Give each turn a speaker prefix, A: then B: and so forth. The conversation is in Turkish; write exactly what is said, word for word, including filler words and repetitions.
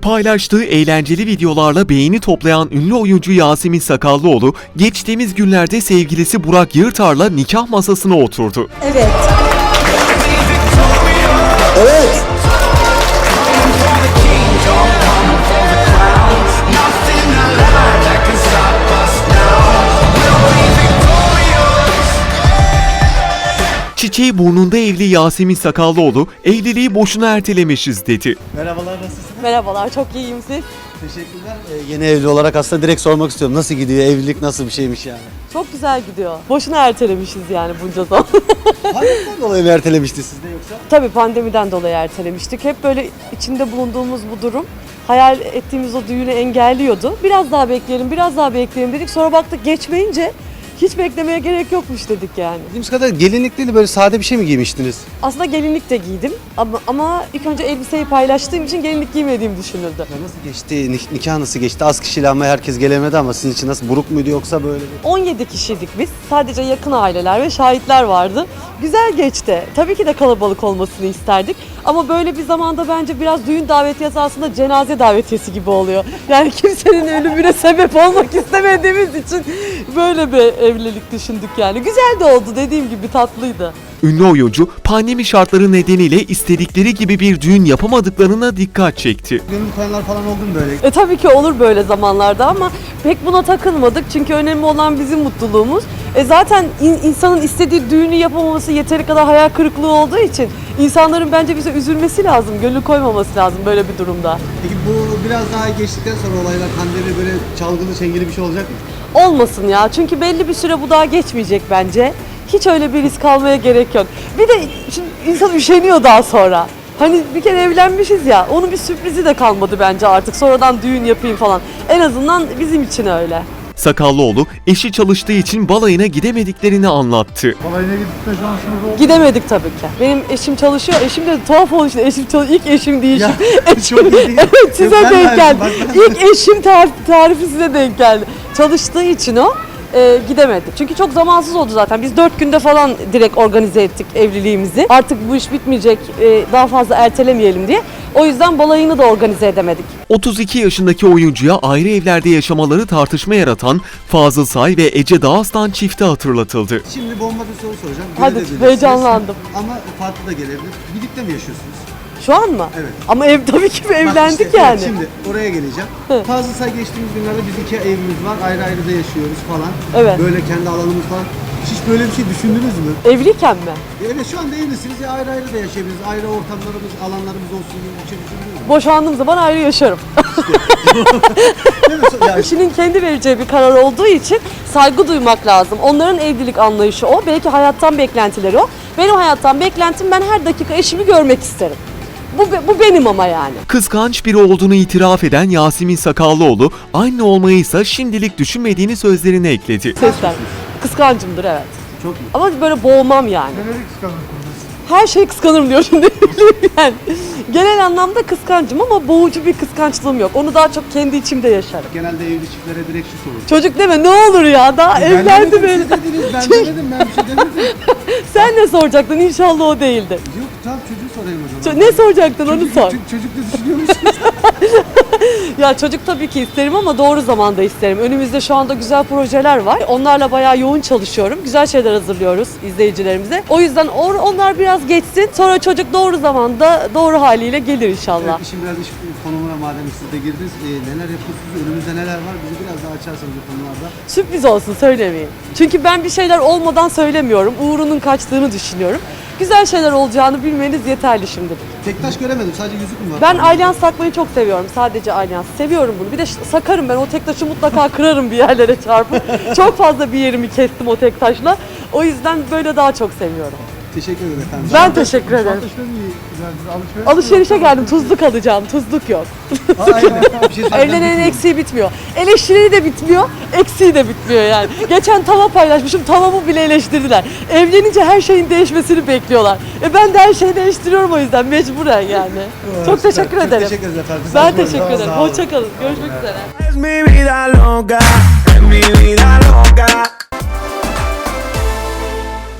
A: Paylaştığı eğlenceli videolarla beğeni toplayan ünlü oyuncu Yasemin Sakallıoğlu, geçtiğimiz günlerde sevgilisi Burak Yırtar'la nikah masasına oturdu.
B: Evet. Evet.
A: Çiçeği burnunda evli Yasemin Sakallıoğlu, evliliği boşuna ertelemişiz dedi.
C: Merhabalar, nasılsınız?
B: Merhabalar, çok iyiyim siz.
C: Teşekkürler. Ee, yeni evli olarak aslında direkt sormak istiyorum. Nasıl gidiyor? Evlilik nasıl bir şeymiş yani?
B: Çok güzel gidiyor. Boşuna ertelemişiz yani bunca zaman.
C: Pandemiden dolayı mı ertelemişti sizde yoksa?
B: Tabii pandemiden dolayı ertelemiştik. Hep böyle içinde bulunduğumuz bu durum hayal ettiğimiz o düğünü engelliyordu. Biraz daha bekleyelim, biraz daha bekleyelim dedik. Sonra baktık geçmeyince hiç beklemeye gerek yokmuş dedik yani.
C: Bildiğimiz kadar gelinlik değil de böyle sade bir şey mi giymiştiniz?
B: Aslında gelinlik de giydim ama, ama ilk önce elbiseyi paylaştığım için gelinlik giymediğim düşünüldü.
C: Ya nasıl geçti? Nik- nikah nasıl geçti? Az kişiyle ama herkes gelemedi ama sizin için nasıl? Buruk muydu yoksa böyle bir?
B: on yedi kişiydik biz. Sadece yakın aileler ve şahitler vardı. Güzel geçti. Tabii ki de kalabalık olmasını isterdik. Ama böyle bir zamanda bence biraz düğün davetiyesi aslında cenaze davetiyesi gibi oluyor. Yani kimsenin ölümüne sebep olmak istemediğimiz için böyle bir evlilik düşündük yani. Güzel de oldu, dediğim gibi tatlıydı.
A: Ünlü oyuncu, pandemi şartları nedeniyle istedikleri gibi bir düğün yapamadıklarına dikkat çekti.
C: Gönül koyanlar falan oldu mu böyle?
B: E tabii ki olur böyle zamanlarda ama pek buna takılmadık çünkü önemli olan bizim mutluluğumuz. E zaten in- insanın istediği düğünü yapamaması yeteri kadar hayal kırıklığı olduğu için insanların bence bize üzülmesi lazım, gönül koymaması lazım böyle bir durumda.
C: Peki bu biraz daha geçtikten sonra olaylar pandemi böyle çalgılı çengeli bir şey olacak mı?
B: Olmasın ya, çünkü belli bir süre bu daha geçmeyecek bence. Hiç öyle bir risk almaya gerek yok. Bir de şimdi insan üşeniyor daha sonra. Hani bir kere evlenmişiz ya, onun bir sürprizi de kalmadı bence artık. Sonradan düğün yapayım falan. En azından bizim için öyle.
A: Sakallıoğlu, eşi çalıştığı için balayına gidemediklerini anlattı.
C: Balayına gitme şansınız oldu.
B: Gidemedik tabii ki. Benim eşim çalışıyor. Eşim de tuhaf oldu işte. Eşim çalışıyor. İlk eşim değil.
C: Ya,
B: Eşim-
C: çok iyi değil.
B: Evet, size
C: Yok, ben
B: denk
C: verdim,
B: geldi.
C: bak ben-
B: İlk eşim tar- tarifi size denk geldi. Çalıştığı için o e, gidemedik. Çünkü çok zamansız oldu zaten. Biz dört günde falan direkt organize ettik evliliğimizi. Artık bu iş bitmeyecek, e, daha fazla ertelemeyelim diye. O yüzden balayını da organize edemedik.
A: otuz iki yaşındaki oyuncuya ayrı evlerde yaşamaları tartışma yaratan Fazıl Say ve Ece Dağıstan çifti hatırlatıldı.
C: Şimdi bomba bir soru soracağım.
B: Hadi,
C: Görebilirsiniz.
B: heyecanlandım.
C: Ama farklı da gelebilir. Birlikte mi yaşıyorsunuz?
B: Şu an mı?
C: Evet.
B: Ama ev tabii ki
C: Bak
B: evlendik
C: işte,
B: yani.
C: evet, şimdi oraya geleceğim. Fazla say geçtiğimiz günlerde biz iki evimiz var. Ayrı ayrı da yaşıyoruz falan.
B: Evet.
C: Böyle kendi alanımız falan. Hiç böyle bir şey düşündünüz mü?
B: Evliyken mi?
C: Ya evet, şu anda evlisiniz ya, ayrı ayrı da yaşayabiliriz. Ayrı ortamlarımız, alanlarımız olsun gibi bir şey düşündünüz mü?
B: Boşandığım zaman ayrı yaşarım.
C: Değil mi? So- ya,
B: Kişinin kendi vereceği bir karar olduğu için saygı duymak lazım. Onların evlilik anlayışı o. Belki hayattan beklentileri o. Benim hayattan beklentim, ben her dakika eşimi görmek isterim. Bu, be- bu benim ama yani.
A: Kıskanç biri olduğunu itiraf eden Yasemin Sakallıoğlu, anne olmayı ise şimdilik düşünmediğini sözlerine ekledi.
B: Sesler. Kıskancımdır evet.
C: çok mu?
B: Ama böyle boğmam yani. Her şeyi kıskanırım diyor şimdi. Yani genel anlamda kıskancım ama boğucu bir kıskançlığım yok. Onu daha çok kendi içimde yaşarım.
C: Genelde evli çiftlere direkt şu sorulur.
B: Çocuk deme ne olur ya, daha evlendi
C: demedim,
B: beni.
C: siz dediniz, ben demedim, ben bir şey demedim.
B: Sen ne soracaktın? İnşallah o değildi.
C: Yok, tamam, çocuğu sorayım o zaman.
B: Ço- ne soracaktın onu
C: Çocuk-
B: sor.
C: Çocuk, çocuk da düşünüyor musunuz?
B: Ya çocuk tabii ki isterim ama doğru zamanda isterim. Önümüzde şu anda güzel projeler var. Onlarla bayağı yoğun çalışıyorum. Güzel şeyler hazırlıyoruz izleyicilerimize. O yüzden or- onlar biraz geçsin. Sonra çocuk doğru zamanda doğru haliyle gelir inşallah.
C: Evet, işin biraz iş konumuna madem siz de girdiniz. Ee, neler yapıyorsunuz? Önümüzde neler var? Bizi biraz daha açarsanız bu konularda.
B: Sürpriz olsun, söylemeyeyim. Çünkü ben bir şeyler olmadan söylemiyorum. Uğrunun kaçtığını düşünüyorum. Güzel şeyler olacağını bilmeniz yeterli şimdilik.
C: Tektaş göremedim. Sadece yüzük mü var?
B: Ben alyans takmayı çok seviyorum. Sadece alyans. Seviyorum bunu. Bir de ş- sakarım ben. O tek taşı mutlaka kırarım bir yerlere çarpıp. Çok fazla bir yerimi kestim o tek taşla. O yüzden böyle daha çok seviyorum.
C: Teşekkür ederim efendim.
B: Ben teşekkür ederim. Alışverişe geldim. Tuzluk alacağım. Tuzluk yok.
C: Aynen. Bir şey söyleyeceğim.
B: Evlenenin eksiği bitmiyor. Eleştiri de bitmiyor, eksiği de bitmiyor yani. Geçen tava paylaşmışım, tavamı bile eleştirdiler. Evlenince her şeyin değişmesini bekliyorlar. E ben de her şeyi değiştiriyorum o yüzden mecburen yani. Çok teşekkür
C: Çok
B: ederim.
C: teşekkür ederiz efendim.
B: Ben
C: Sağ olun.
B: teşekkür ederim.
C: Sağ olun.
B: Hoşça kalın. Görüşmek üzere.
D: Es mi vida loca, es mi vida loca.